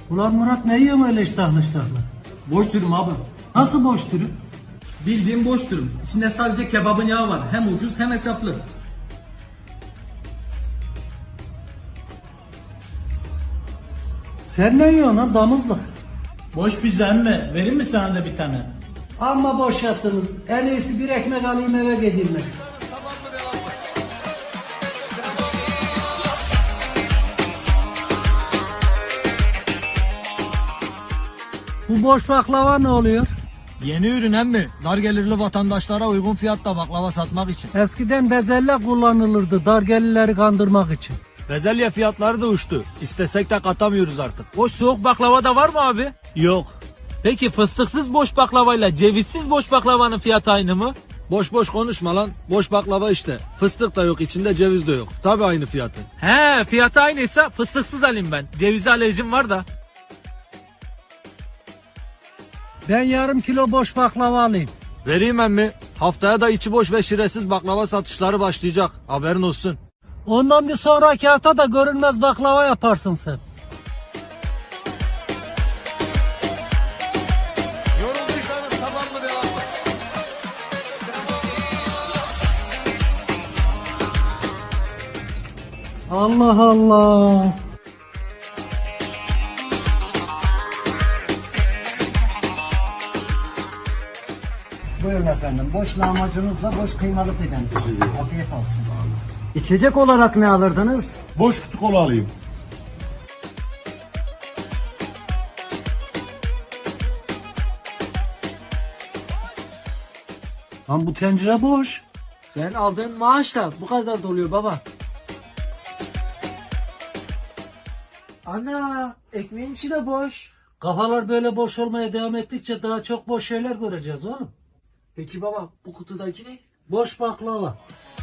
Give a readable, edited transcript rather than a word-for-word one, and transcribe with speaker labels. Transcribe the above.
Speaker 1: Ulan Murat ne yiyorsun öyle iştahlı iştahlı?
Speaker 2: Boş dürüm abi.
Speaker 1: Nasıl boş dürüm?
Speaker 2: Bildiğim boş dürüm. İçinde sadece kebabın yağı var. Hem ucuz hem hesaplı.
Speaker 1: Sen ne yiyorsun lan damızlık?
Speaker 3: Boş pizza emmi. Vereyim mi sana da bir tane?
Speaker 1: Amma boş yaptınız. En iyisi bir ekmek alayım eve gideyim ben. Bu boş baklava ne oluyor?
Speaker 4: Yeni ürün emmi. Dar gelirli vatandaşlara uygun fiyatta baklava satmak için.
Speaker 1: Eskiden bezelye kullanılırdı dargelileri kandırmak için.
Speaker 4: Bezelye fiyatları da uçtu. İstesek de katamıyoruz artık.
Speaker 5: Boş soğuk baklava da var mı abi?
Speaker 4: Yok.
Speaker 5: Peki fıstıksız boş baklavayla cevizsiz boş baklavanın fiyatı aynı mı?
Speaker 4: Boş boş konuşma lan. Boş baklava işte. Fıstık da yok, içinde ceviz de yok. Tabi aynı fiyatı.
Speaker 5: He, fiyatı aynıysa fıstıksız alayım ben. Cevize alerjim var da.
Speaker 1: Ben yarım kilo boş baklava alayım.
Speaker 4: Vereyim emmi. Haftaya da içi boş ve şiresiz baklava satışları başlayacak. Haberin olsun.
Speaker 1: Ondan bir sonraki hafta da görünmez baklava yaparsın sen. Allah Allah.
Speaker 6: Buyurun efendim. Boş lahmacunuzla boş kıymalı pideniz. Afiyet olsun. İçecek olarak ne alırdınız?
Speaker 7: Boş kutu kola alayım.
Speaker 1: Lan bu tencere boş.
Speaker 5: Sen aldığın maaşla bu kadar doluyor baba. Ana, ekmeğin içi de boş.
Speaker 1: Kafalar böyle boş olmaya devam ettikçe daha çok boş şeyler göreceğiz oğlum.
Speaker 5: Peki baba, bu kutudaki ne?
Speaker 1: Boş baklava.